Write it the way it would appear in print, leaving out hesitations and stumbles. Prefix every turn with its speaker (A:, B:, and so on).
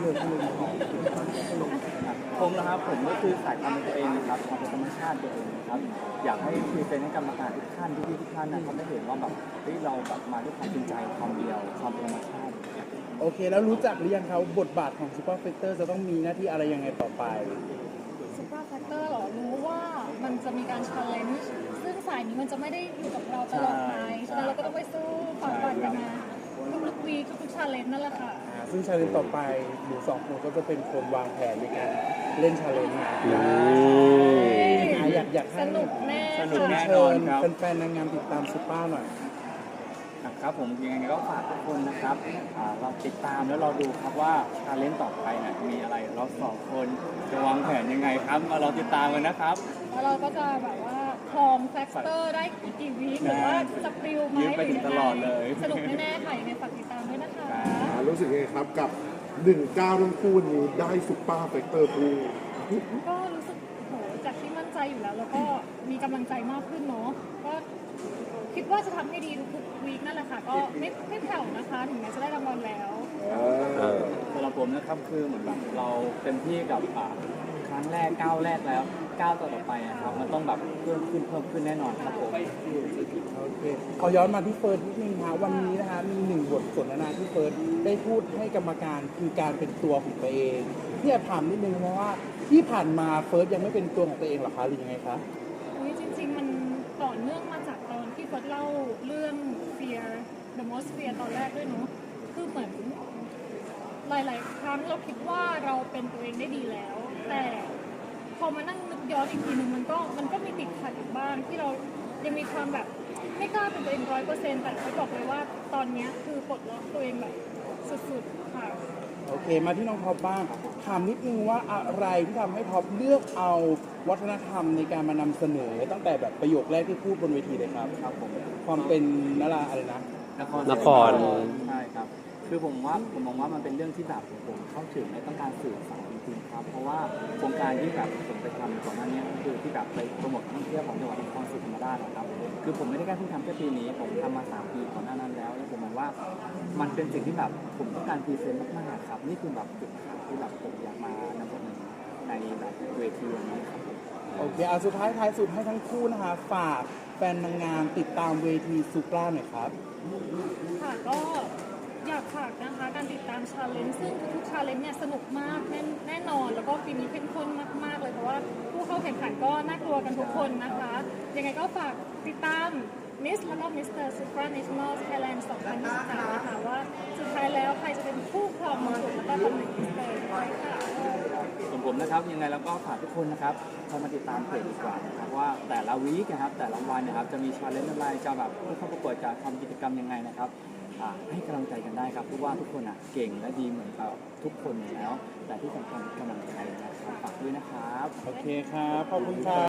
A: อพูดเลยของผมนะครับผมก็คือสายความเป็นตัวเองนะครับความเป็นธรรมชาติตัวเองนะครับอยากให้พรีเซนต์ให้กรรมการทุกท่านพี่ๆทุกท่านนะครับได้เห็นว่าแบบเราแบบมาด้วยความจริงใจความเดียวความเป็นธรรมชาติ
B: โอเคแล้วรู้จักหรือยังครับบทบาทของซูเปอร์เฟกเตอร์จะต้องมีหน้าที่อะไรยังไงต่อไป
C: ซูเปอร์แฟกเตอร์หรอรู้ว่ามันจะมีการชาเลนจ์ซึ่งสายนี้มันจะไม่ได้อยู่กับเราตลอดไปฉะนั้นเราก็ต้องไปสู้ฝ่าฟันกันมาทุกวีคทุกชาเลนจ์นั่นแหละค่ะ
B: ซึ่งชาเลนจ์ต่อไปหนูสองคนก็จะเป็นคนวางแผนในการเล่นชาเลนจ์นะอยากให้
C: สนุกแน่
B: เชิญแฟนๆนางงามติดตามซูเปอร์หน่อย
A: ครับผมยังไงก็ฝากทุกคนนะครับเราติดตามแล้วเราดูครับว่าชาเลนจ์ต่อไปเนี่ยมีอะไรเราสองคนจะวางแผนยังไงครับมาเราติดตามกันนะครับ
C: แล้วเราก็จะแบบว่าคลองแฟกเตอร์ได้กี่วีคหรือว่าจะปลิวไหมหรือยังไงสนุกแน่ๆค่ะยังไงฝากติดตามด้วยนะคะ
D: รู้สึกยังไงครับกับ19ทั้งคู่นี้ได้ซุปเปอร์เฟกเตอร์คู่
C: ก็รู้สึกโหจากที่มั่นใจอยู่แล้วแล้วก็มีกำลังใจมากขึ้นเนาะก็คิดว่าจะทำให้ดีทุกวีคนั่นแหละค่ะก็ไม่แผ่วนะคะถึงแม้จะได้รางวัลแล้ว
A: สำหรับผมนะครับคือเหมือนแบบเราเต็มที่กับครั้งแรกก้าวแรกแล้วก้าวต่อไปครับมันต้องแบบเพิ่มขึ้นแน่นอนครับผม
B: โอเคขอย้อนมาที่เฟิร์สนิดนึงค่ะวันนี้นะคะมีหนึ่งบทสนทนาที่เฟิร์สได้พูดให้กรรมการคือการเป็นตัวของตัวเองที่จะถามนิดนึงเพราะว่าที่ผ่านมาเฟิร์สยังไม่เป็นตัวของตัวเองหรอคะหรือยังไงคะ
C: จริงๆมันต่อเนื่องมาจากตอนที่เฟิร์สเล่าเรื่อง Fear The Most Fear ตอนแรกด้วยเนาะคือเหมือนหลายๆครั้งเราคิดว่าเราเป็นตัวเองได้ดีแล้วแต่พอมานั่งนึกย้อนอีกทีหนึ่งมันก็มีติดขัดอยู่บ้างที่เรายังมีความแบบไม่กล้าเป็นตัวเอง100%แต่เขาบอกเลยว่าตอนนี้คือปลดล็อกตัวเองแบบสุดๆค่ะ
B: โอเคมาที่น้องท็อปบ้างถามนิดนึงว่าอะไรที่ทำให้ท็อปเลือกเอาวัฒนธรรมในการมานำเสนอตั้งแต่แบบประโยคแรกที่พูดบนเวทีเลยครับผมความเป็นอะไรนะ
A: นครใช่ครับคือผมมองว่ามันเป็นเรื่องที่แบบผมเข้าถึงและต้องการสื่อสารจริงๆครับเพราะว่าโครงการที่แบบผมไปทำก่อนหน้านี้คือที่แบบไปโปรโมทท่องเที่ยวของจังหวัดนครศรีธรรมราชนะครับคือผมไม่ได้แค่เพิ่งทำแค่ปีนี้ผมทำมา3 ปีก่อนหน้านั้นแล้วผมมองว่ามันเป็นสิ่งที่แบบผมต้องการพรีเซนต์มากๆครับนี่คือแบบจุดขายที่แบบผมอยากมานำเสนอในแบบเวทีนี้ครับ
B: โอเคเอาสุดท้ายสุดให้ทั้งคู่นะคะฝากแฟนนางงามติดตามเวทีซูปราหน่อยครับ
C: ค่ะก็อยากฝากนะคะการติดตามชาเลนจ์ซึ่งทุกชาเลนจ์เนี่ยสนุกมากแน่นอนแล้วก็ปีนี้เข้มข้นมากๆเลยเพราะว่าผู้เข้าแข่งขันก็น่ากลัวกันทุกคนนะคะยังไงก็ฝากติดตามมิสแล้วก็มิสเตอร์ซูปราเนชั่นแนลไทยแลนด์2023นะคะว่าสุดท้ายแล้วใครจะเป็นผู้ครองมงกุฎแล้วก็ตำแหน่งมิสเตอร์ด้วยค่ะ
A: ส่วนผมนะครับยังไงแล้วก็ฝากทุกคนนะครับเข้ามาติดตามเพจดีกว่านะครับว่าแต่ละวีคนะครับแต่ละวันนะครับจะมีชาเลนจ์อะไรจะแบบผู้เข้าประกวดจะทำกิจกรรมยังไงนะครับให้กำลังใจกันได้ครับเพราะว่าทุกคนเก่งและดีเหมือนกับทุกคนอยู่แล้วแต่ที่สำคัญกำลังใจนะครับฝากด้วยนะครับ
B: โอเคครับขอบคุณครับ